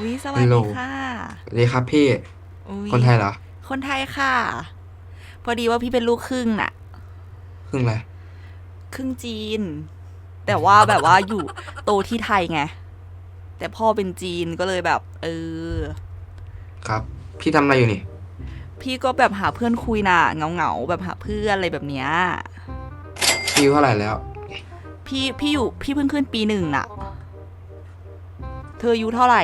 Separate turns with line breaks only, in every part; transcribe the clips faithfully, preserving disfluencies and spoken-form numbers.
อุ้ยสวั
ฮัลโหล
สดีค่ะ
สวัสดีครับพี่
อุ้ย
คนไทยเหรอ
คนไทยค่ะพอดีว่าพี่เป็นลูกครึ่งน่ะ
ครึ่งอะไร
ครึ่งจีนแต่ว่าแบบว่าอยู่โตที่ไทยไงแต่พ่อเป็นจีนก็เลยแบบเออ
ครับพี่ทำอะไรอยู่นี่
พี่ก็แบบหาเพื่อนคุยน่ะเงาเงาๆแบบหาเพื่อนอะไรแบบเนี้ย
พี่อายุเท่าไหร่แล้ว
พี่พี่อยู่พี่เพิ่งขึ้นปีหนึ่งน่ะเธออายุเท่าไหร่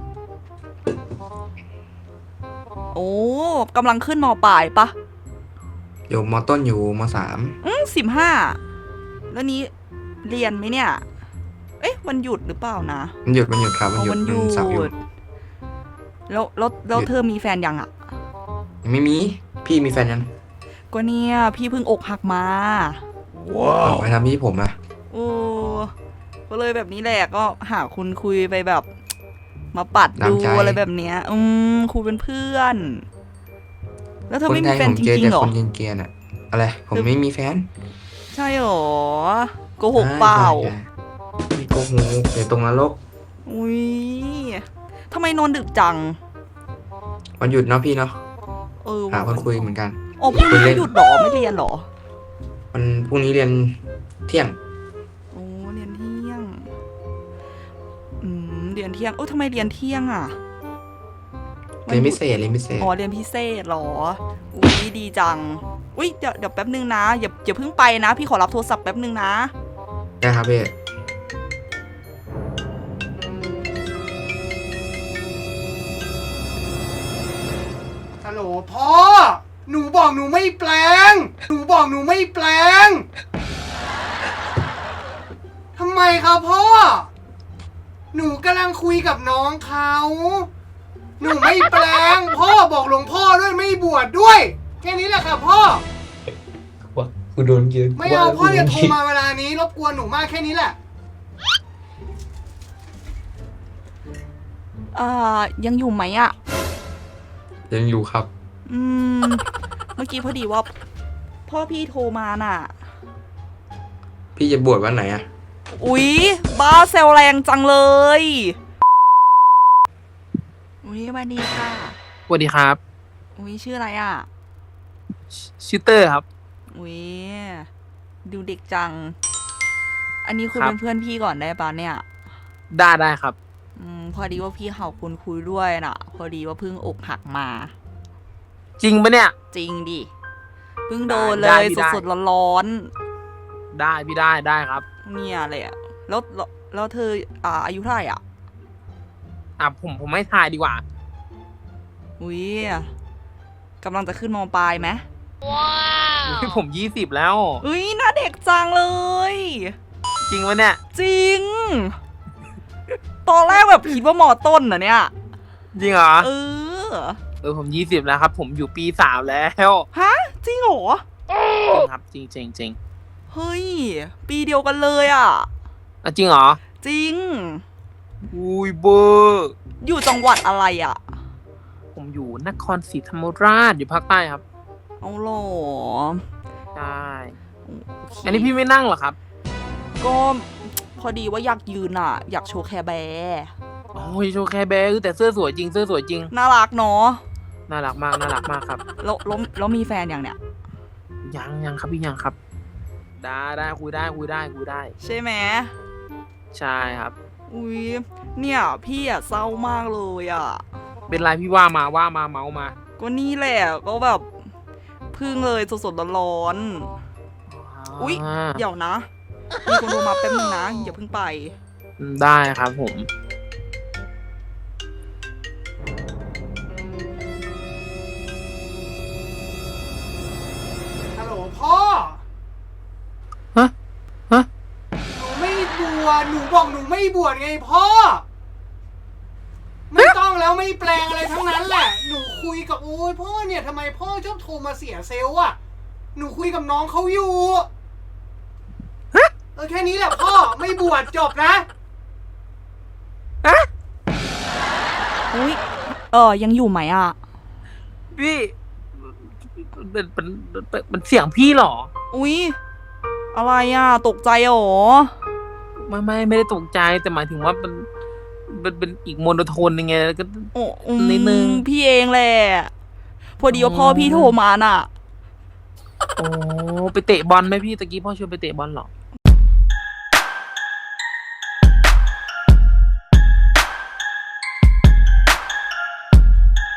โอ้กำลังขึ้นมปลายปะ
อยู่มต้นอยู่มสาม
อืมสิบห้าแล้วนี้เรียนไหมเนี่ยเอ๊ะวันหยุดหรือเปล่านะ
มันหยุดมันหยุดครับมัน
เอา
หยุด
วันหยุ
มันเสาร์หยุด
ด แล้วแล้วแล้
หยุด
วเธอมีแฟนยังอ่ะ
ยังไม่มีพี่มีแฟนยัง
ก็เนี่ยพี่เพิ่งอกหักมา
เอาไปทำพี่ผมอะ
โอ้ก็เลยแบบนี้แหละก็หาคุณคุยไปแบบ มาปัดดู
น้ำใจ
อะไรแบบเนี้ยอืมคุยเป็นเพื่อน แล้วเธอ
คน
ไม่
ไทยผม
มีแฟนจริงๆเหรอ
เจอแต่คนเกรียนๆอะอะไรผมไม่มีแฟน
ใช่หรอโกหกเปล่า
ใช่ใช่พี่โกหกเดี๋ยวตรงนรก
อุ้ยทำไมนอนดึกจัง
วันหยุดเนาะพี่เนาะ
เออ
หาคนคุยเหมือนกัน
อ๋อพรุ่งนี้
คุยเล่น
หยุดหรอไม่เรียนหรอ
วันพรุ่งนี้เรียนเที่ยง
โอ้เรียนเที่ยงอืมเรียนเที่ยงเออทำไมเรียนเที่ยงอ่ะ
เรียนพิเศษเรียนพิเศษ
อ๋อเรียนพิเศษเหรออุ้ยดีจังอุ้ยเดี๋ยวเดี๋ยวแป๊บนึงนะอย่าอย่าเพิ่งไปนะพี่ขอรับโทรศัพท์แป๊บนึงนะ
ได้ครับพี่
ฮัลโหลพ่อ หนูบอกหนูไม่แปลง หนูบอกหนูไม่แปลง ทำไมครับพ่อ หนูกำลังคุยกับน้องเขา หนูไม่แปลง พ่อบอกหลวงพ่อด้วยไม่บวชดด้วย แค่นี้แหละครับพ่อ
ว่ากูโดนเยอะ
ไม่เอาพ่ออย่าโทรมาเวลานี้รบกวนหนูมากแค่นี้แหละ
อ่ายังอยู่ไหมอะ
ยังอยู่ครับ
อืมเมื่อกี้พอดีว่าพ่อพี่โทรมาน่ะ
พี่จะบวชวันไหนอะ
อุ๊ยบ้าเซลแรงจังเลยอุ๊ยสวัสดีค่ะ
สวัสดีครับ
อุ๊ยชื่ออะไรอะ
ชื่อเตอร์ครับ
อุ๊ยดูเด็กจังอันนี้คุย
ครับ
เป็นเพื่อนพี่ก่อนได้ปะเนี่ย
ได้ได้ครับ
อืมพอดีว่าพี่เขาคุณคุยด้วยน่ะ พอดีว่าเพิ่งอกหักมา
จริงปะเนี่ย
จริงดิเพิ่งโดนเล
ได้
ย
พี่ได้
สดๆร้อน
ได้พี่ได้ได้ครับ
ๆเนี่ยเลยอะแล้วแล้วแล้วเธออ่าอายุเท่าไหร่อ่ะ
อ่ะผมผมไม่ทายดีกว่า
อุ้ยกำลังจะขึ้นมปลายไหม
อุ๊ยผมยี่สิบแล้ว
อุ้ยหน้าเด็กจังเลย
จริงปะเนี่ย
จริง ตอนแรกแบบคิดว่ามอต้นนะเนี่ย
จริงเหรอ
เออ
เออผมยี่สิบแล้วครับ ผมอยู่ปีสามแล้ว
ฮะจริงเหรอ
จริงครับจริงจริงจริง
เฮ้ยปีเดียวกันเลยอ่ะ
อ่ะจริงเหรอ
จริง
อุ้ยเบอร์
อยู่จังหวัดอะไรอ่ะ
ผมอยู่นครศรีธรรมราชอยู่ภาคใต้ครับ
เอาหรอ
ใช่อันนี้พี่ไม่นั่งเหรอครับ
ก็พอดีว่าอยากยืนอ่ะ อยากโชว์แคร์แบร์
โอ้ยโชว์แคร์แบร์แต่เสื้อสวยจริงเสื้อสวยจริง
น่ารักเนาะ
น่ารักมากน่ารักมากครับ
แล้วแล้วแล้วมีแฟนอย่างเนี้ย
ยังยังครับพี่ยังครับได้ได้คุยได้คุยได้คุยได้
ใช่ไหม
ใช่ครับ
อุ้ยเนี่ยพี่อ่ะเศร้ามากเลยอ่ะ
เป็นไรพี่ว่ามาว่ามาเมามา
ก็นี่แหละก็แบบพึ่งเลยสดๆร้อนๆอุ๊ยเดี๋ยวนะมีคนโทรมาแป๊บนึงนะอย่าเพิ่งไป
ได้ครับผม
ฮัลโหลพ่อ
ฮะฮะ
หนูไม่บวช หนูบอกหนูไม่บวชไงพ่อ ไม่ต้องแล้วไม่แปลงอะไรทั้งนั้นแหละ หนูคุยกับโอ้ยพ่อเนี่ยทำไมพ่อชอบโทรมาเสียเซลล์อ่ะ หนูคุยกับน้องเขาอยู่เออแค่นี้แหละพ่อไม่บวชจบนะ
ฮะ
อุ้ยเออยังอยู่ไหมอ่ะ
พี่เป็นเป็นเป็นเสียงพี่หรอ
อุ้ยอะไรอ่ะตกใจหรอ
ไม่ไม่ไม่ได้ตกใจแต่หมายถึงว่ามันเป็นเป็นอีกโมโนโทนยังไงก็
โอ้อืม
นิดนึง
พี่เองแหละ พอดีว่าพ่อพี่โทรมาน่ะ
โอ้ไปเตะบอลไหมพี่ตะกี้พ่อชวนไปเตะบอลเหรอ